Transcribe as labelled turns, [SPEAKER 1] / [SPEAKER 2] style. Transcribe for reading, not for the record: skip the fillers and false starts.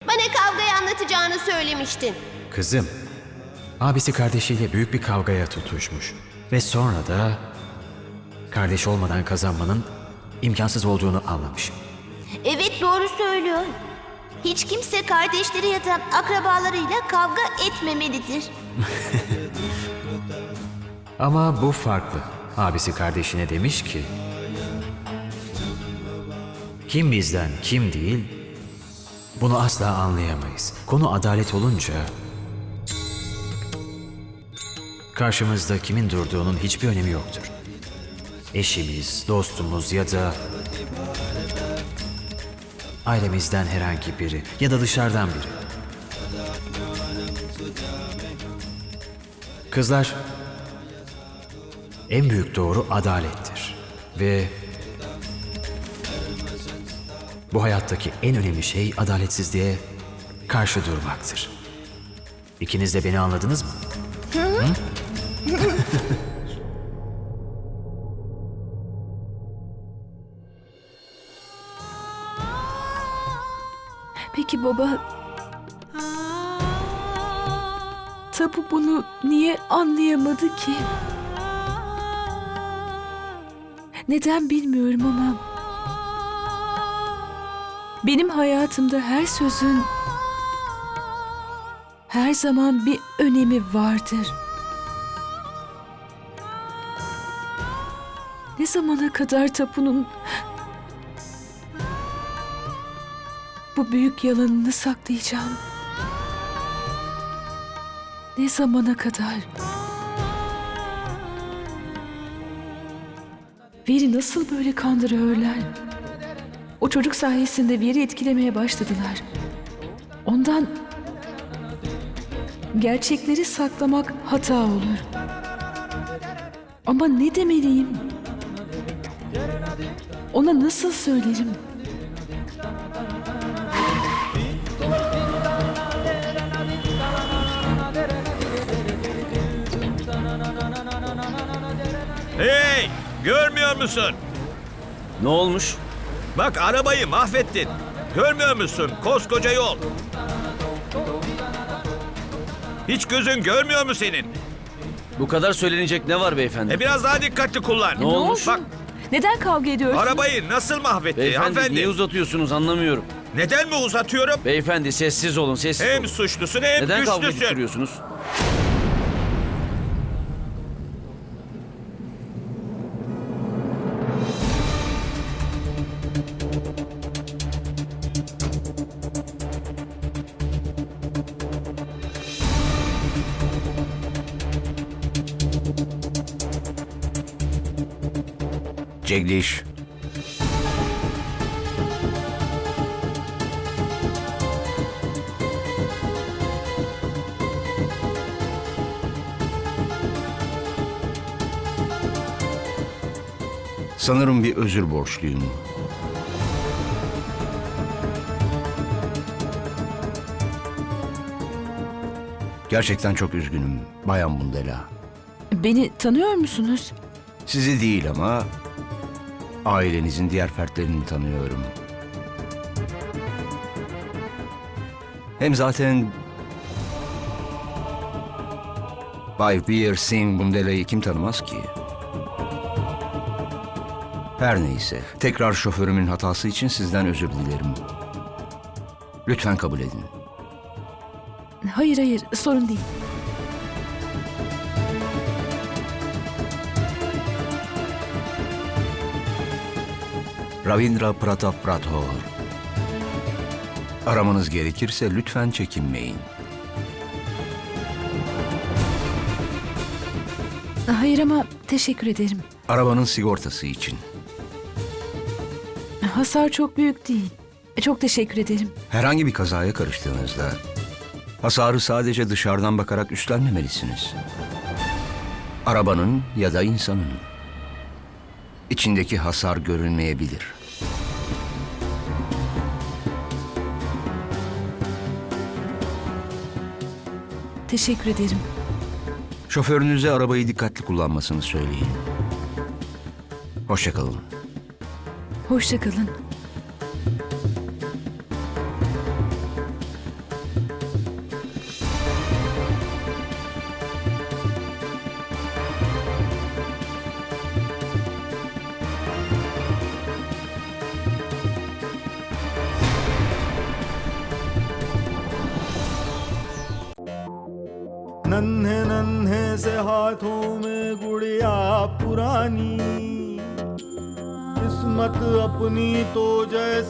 [SPEAKER 1] Bana kavgayı anlatacağını söylemiştin.
[SPEAKER 2] Kızım, abisi kardeşiyle büyük bir kavgaya tutuşmuş. Ve sonra da kardeş olmadan kazanmanın imkansız olduğunu anlamış.
[SPEAKER 1] Evet, doğru söylüyor. Hiç kimse kardeşleri ya da akrabalarıyla kavga etmemelidir.
[SPEAKER 2] Ama bu farklı. Abisi kardeşine demiş ki, kim bizden kim değil, bunu asla anlayamayız. Konu adalet olunca karşımızda kimin durduğunun hiçbir önemi yoktur. Eşimiz, dostumuz ya da ailemizden herhangi biri ya da dışarıdan biri. Kızlar, en büyük doğru adalettir ve bu hayattaki en önemli şey adaletsizliğe karşı durmaktır. İkiniz de beni anladınız mı? Hı?
[SPEAKER 3] Peki baba, Tapu bunu niye anlayamadı ki? Neden bilmiyorum ama benim hayatımda her sözün her zaman bir önemi vardır. Ne zamana kadar Tapu'nun bu büyük yalanını saklayacağım? Ne zamana kadar? Veri nasıl böyle kandırıyorlar? O çocuk sayesinde Veri etkilemeye başladılar. Ondan gerçekleri saklamak hata olur. Ama ne demeliyim? Ona nasıl söylerim?
[SPEAKER 4] Hey! Görmüyor musun?
[SPEAKER 5] Ne olmuş?
[SPEAKER 4] Bak arabayı mahvettin. Görmüyor musun? Koskoca yol. Hiç gözün görmüyor mu senin?
[SPEAKER 5] Bu kadar söylenecek ne var beyefendi?
[SPEAKER 4] Biraz daha dikkatli kullan.
[SPEAKER 5] Ne olmuş?
[SPEAKER 4] Bak
[SPEAKER 3] Neden kavga ediyorsunuz?
[SPEAKER 4] arabayı nasıl mahvetti
[SPEAKER 5] Beyefendi
[SPEAKER 4] hanımefendi?
[SPEAKER 5] niye uzatıyorsunuz anlamıyorum.
[SPEAKER 4] Neden mi uzatıyorum?
[SPEAKER 5] Beyefendi sessiz olun sessiz
[SPEAKER 4] Hem
[SPEAKER 5] olun.
[SPEAKER 4] suçlusun hem
[SPEAKER 5] Neden kavga
[SPEAKER 4] güçlüsün.
[SPEAKER 5] ettiriyorsunuz?
[SPEAKER 6] Cegliş. Sanırım bir özür borçluyum. Gerçekten çok üzgünüm Bayan Bundela.
[SPEAKER 3] Beni tanıyor musunuz?
[SPEAKER 6] Sizi değil ama ailenizin diğer fertlerini tanıyorum. Hem zaten Bay Veer Singh Bundela'yı kim tanımaz ki? Her neyse, tekrar şoförümün hatası için sizden özür dilerim. Lütfen kabul edin.
[SPEAKER 3] Hayır, sorun değil.
[SPEAKER 6] Ravindra Pratap Rathore. Aramanız gerekirse lütfen çekinmeyin.
[SPEAKER 3] Hayır ama teşekkür ederim.
[SPEAKER 6] Arabanın sigortası için.
[SPEAKER 3] Hasar çok büyük değil. Çok teşekkür ederim.
[SPEAKER 6] Herhangi bir kazaya karıştığınızda hasarı sadece dışarıdan bakarak üstlenmemelisiniz. Arabanın ya da insanın. İçindeki hasar görünmeyebilir.
[SPEAKER 3] Teşekkür ederim.
[SPEAKER 6] Şoförünüze arabayı dikkatli kullanmasını söyleyin. Hoşça kalın.
[SPEAKER 3] Hoşça kalın.
[SPEAKER 7] नन्हे नन्हे से हाथों में गुड़िया पुरानी, किस्मत अपनी तो जैसे